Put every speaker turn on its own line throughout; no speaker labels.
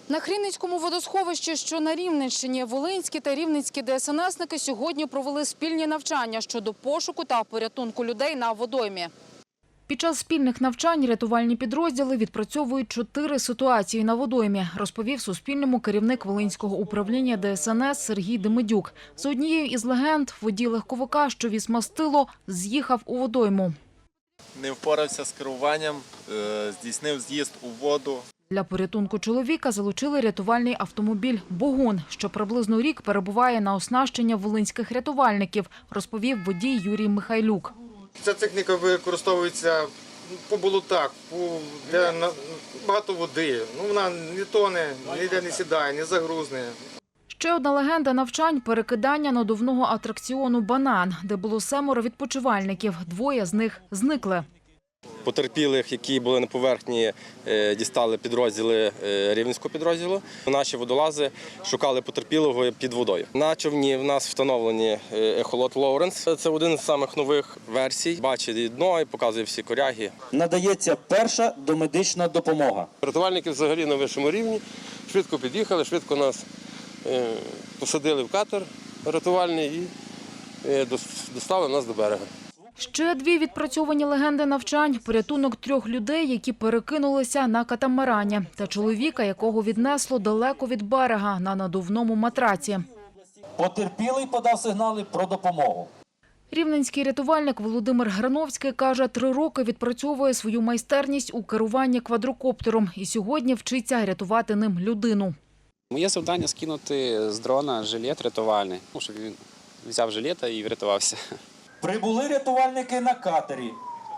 На Хрінницькому водосховищі, що на Рівненщині, волинські та рівненські ДСНСники сьогодні провели спільні навчання щодо пошуку та порятунку людей на водоймі. Під час спільних навчань рятувальні підрозділи відпрацьовують 4 ситуації на водоймі, розповів Суспільному керівник Волинського управління ДСНС Сергій Демидюк. За однією із легенд, водій легковика, що віз мастило, з'їхав у водойму.
Не впорався з керуванням, здійснив з'їзд у воду.
Для порятунку чоловіка залучили рятувальний автомобіль «Богун», що приблизно рік перебуває на оснащення волинських рятувальників, розповів водій Юрій Михайлюк.
Ця техніка використовується по болотах, де багато води. Вона не тоне, ніде не сідає, не загрузне.
Ще одна легенда навчань – перекидання надувного атракціону «Банан», де було 7 відпочивальників, 2 з них зникли.
Потерпілих, які були на поверхні, дістали підрозділи Рівненського підрозділу. Наші водолази шукали потерпілого під водою. На човні в нас встановлені ехолот Лоуренс. Це один з самих нових версій. Бачить дно і показує всі коряги.
Надається перша домедична допомога.
Рятувальники взагалі на вищому рівні. Швидко під'їхали, швидко нас посадили в катер рятувальний і доставили нас до берега.
Ще 2 відпрацьовані легенди навчань – порятунок 3 людей, які перекинулися на катамарані, та чоловіка, якого віднесло далеко від берега на надувному матраці.
Потерпілий подав сигнали про допомогу.
Рівненський рятувальник Володимир Грановський каже, 3 роки відпрацьовує свою майстерність у керуванні квадрокоптером і сьогодні вчиться рятувати ним людину.
Моє завдання – скинути з дрона жилет рятувальний, щоб він взяв жилета і врятувався.
Прибули рятувальники на катері.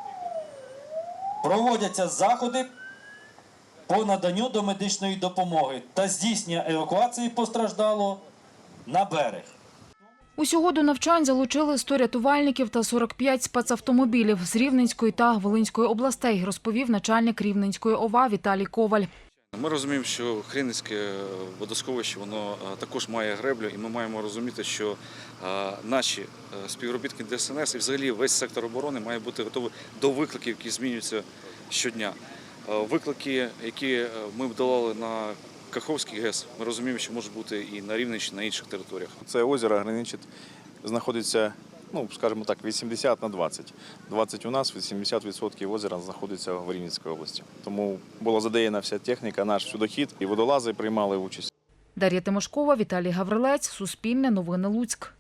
Проводяться заходи по наданню домедичної допомоги та здійснення евакуації постраждалого на берег.
Усього до навчань залучили 100 рятувальників та 45 спецавтомобілів з Рівненської та Волинської областей, розповів начальник Рівненської ОВА Віталій Коваль.
Ми розуміємо, що Хрінницьке водосховище воно також має греблю, і ми маємо розуміти, що наші співробітники ДСНС і взагалі весь сектор оборони має бути готовий до викликів, які змінюються щодня. Виклики, які ми долали на Каховський ГЕС, ми розуміємо, що можуть бути і на Рівненщині, і на інших територіях.
Це озеро граничить, знаходиться, скажімо так, 80 на 20. 20 у нас, 80% озера знаходиться в Рівненській області. Тому була задіяна вся техніка, наш судохід, і водолази приймали участь.
Дар'я Тимошкова, Віталій Гаврилець, Суспільне новини Луцьк.